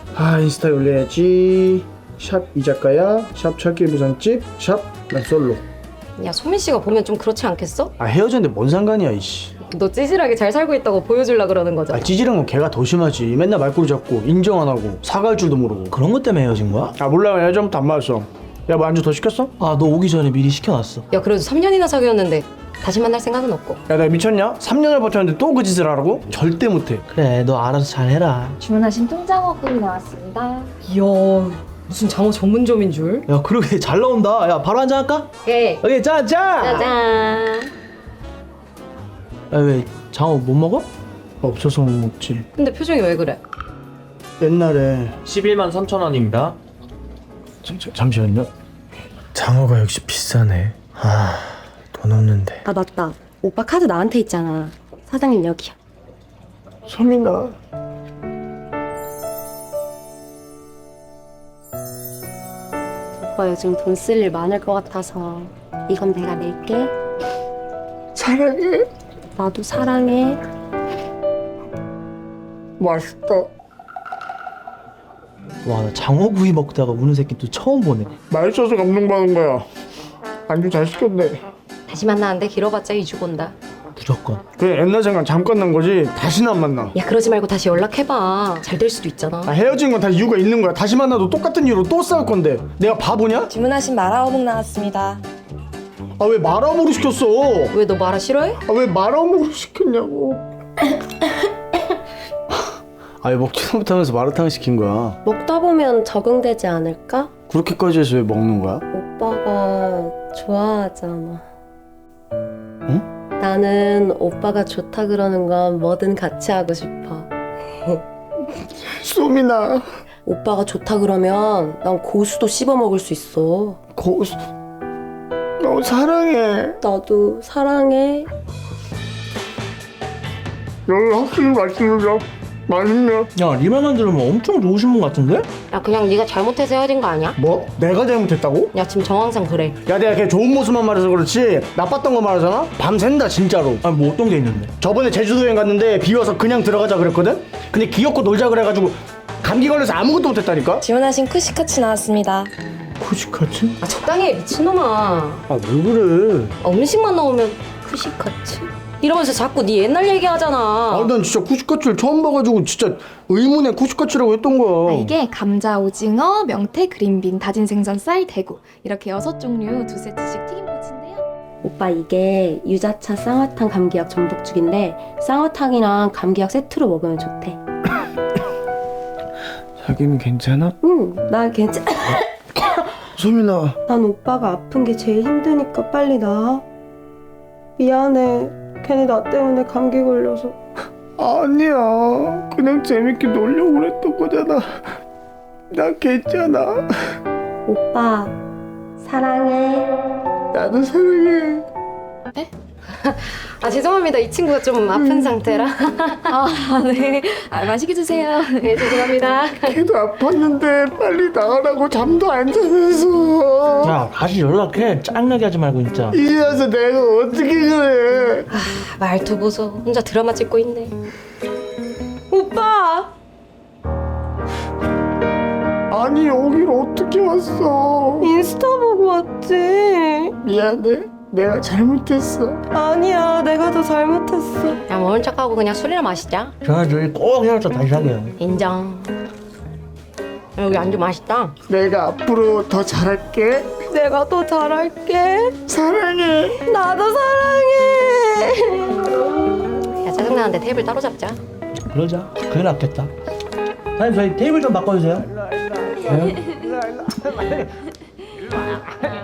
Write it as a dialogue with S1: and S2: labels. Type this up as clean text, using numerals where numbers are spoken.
S1: 인스타 올려야지. 샵 이작가야, 샵 철길 부산집, 샵 난 솔로.
S2: 야, 소민 씨가 보면 좀 그렇지 않겠어?
S1: 헤어졌는데 뭔 상관이야 이씨.
S2: 너 찌질하게 잘 살고 있다고 보여주려 그러는 거잖아.
S1: 찌질한 건 걔가 더 심하지. 맨날 말꼬리 잡고 인정 안 하고 사과할 줄도 모르고.
S3: 그런 것 때문에 헤어진 거야?
S1: 몰라. 예전부터 안 맞았어. 야, 뭐 안주 더 시켰어?
S3: 아, 너 오기 전에 미리 시켜놨어.
S2: 야, 그래도 3년이나 사귀었는데 다시 만날 생각은 없고.
S1: 야, 내가 미쳤냐? 3년을 버텼는데 또 그 짓을 하라고? 절대 못해.
S3: 그래, 너 알아서 잘해라.
S4: 주문하신 통장어국이 나왔습니다.
S2: 이야, 무슨 장어 전문점인 줄?
S3: 야, 그러게 잘 나온다. 야, 바로 한잔 할까?
S2: 오케이.
S3: 오케이, 짠!
S2: 짜잔.
S3: 야, 왜 장어 못 먹어?
S1: 없어서 못 먹지.
S2: 근데 표정이 왜 그래?
S1: 옛날에
S5: 11만 3천 원입니다.
S1: 잠시만요. 장어가 역시 비싸네. 돈 없는데.
S2: 아, 맞다. 오빠 카드 나한테 있잖아. 사장님 여기야.
S1: 소민아.
S2: 오빠 요즘 돈 쓸 일 많을 것 같아서 이건 내가 낼게.
S1: 사랑해.
S2: 나도 사랑해.
S1: 맛있다.
S3: 와, 나 장어구이 먹다가 우는 새끼 또 처음 보네.
S1: 맛있어서 감동받은 거야. 안주 잘 시켰네.
S2: 다시 만나는데 길어봤자 2주 본다.
S3: 무조건.
S1: 그래, 옛날 생각 잠깐 난 거지 다시는 안 만나.
S2: 야, 그러지 말고 다시 연락해봐. 잘 될 수도 있잖아.
S1: 헤어진 건 다 이유가 있는 거야. 다시 만나도 똑같은 이유로 또 싸울 건데 내가 바보냐?
S4: 주문하신 마라어묵 나왔습니다.
S1: 왜 마라오모로 시켰어?
S2: 왜 너 마라 싫어해?
S1: 왜 마라오모로 시켰냐고. 왜 먹지도 못하면서 마라탕을 시킨 거야?
S2: 먹다 보면 적응되지 않을까?
S1: 그렇게까지 해서 왜 먹는 거야?
S2: 오빠가 좋아하잖아.
S1: 응?
S2: 나는 오빠가 좋다 그러는 건 뭐든 같이 하고 싶어.
S1: 소민아.
S2: 오빠가 좋다 그러면 난 고수도 씹어 먹을 수 있어.
S1: 고수. 너 사랑해.
S2: 나도 사랑해.
S1: 여기 확실히 맛있는데 맛있네.
S3: 야, 네 말만 들으면 엄청 좋으신 분 같은데?
S2: 야, 그냥 네가 잘못해서 헤어진 거 아니야?
S1: 뭐? 내가 잘못했다고?
S2: 야, 지금 정황상 그래.
S1: 야, 내가 걔 좋은 모습만 말해서 그렇지 나빴던 거 말하잖아? 밤샌다 진짜로.
S3: 아니, 뭐 어떤 게 있는데?
S1: 저번에 제주도 여행 갔는데 비 와서 그냥 들어가자 그랬거든? 근데 귀엽고 놀자 그래가지고 감기 걸려서 아무것도 못했다니까?
S4: 주문하신 쿠시카츠 나왔습니다.
S1: 쿠시카츠?
S2: 아, 적당히 해, 미친놈아.
S1: 왜 그래?
S2: 음식만 나오면 쿠시카츠? 이러면서 자꾸 네 옛날 얘기하잖아.
S1: 난 진짜 쿠시카츠를 처음 봐가지고 진짜 의문의 쿠시카츠라고 했던 거야.
S6: 이게 감자, 오징어, 명태, 그린빈, 다진 생선, 쌀, 대구 이렇게 6종류 2세트씩 튀김 꼬치인데요.
S2: 오빠, 이게 유자차 쌍화탕 감기약 전복죽인데 쌍화탕이랑 감기약 세트로 먹으면 좋대.
S1: 자기는 괜찮아?
S2: 응, 나 괜찮...
S1: 소민아.
S2: 난 오빠가 아픈 게 제일 힘드니까 빨리 나아. 미안해. 괜히 나 때문에 감기 걸려서.
S1: 아니야. 그냥 재밌게 놀려고 그랬던 거잖아. 나 괜찮아.
S2: 오빠, 사랑해.
S1: 나도 사랑해.
S2: 아, 죄송합니다. 이 친구가 좀 아픈 상태라.
S6: 네. 맛있게 드세요.
S2: 네, 죄송합니다.
S1: 걔도 아팠는데 빨리 나가라고 잠도 안 자면서.
S3: 야, 다시 연락해. 짱나게 하지 말고 진짜.
S1: 이제 와서 내가 어떻게 그래.
S2: 말투 보소. 혼자 드라마 찍고 있네. 오빠!
S1: 아니 여길 어떻게 왔어.
S2: 인스타 보고 왔지.
S1: 미안해. 내가 잘못했어.
S2: 아니야, 내가 더 잘못했어. 야, 모른 척하고 그냥 술이나 마시자.
S3: 전화 저희 꼭 헤어져 다시 하게요.
S2: 인정. 여기 안주 맛있다.
S1: 내가 앞으로 더 잘할게.
S2: 내가 더 잘할게.
S1: 사랑해.
S2: 나도 사랑해. 야, 짜증나는데 테이블 따로 잡자.
S3: 그러자. 그게 낫겠다. 사장님, 저희 테이블 좀 바꿔주세요.
S1: 일로 와.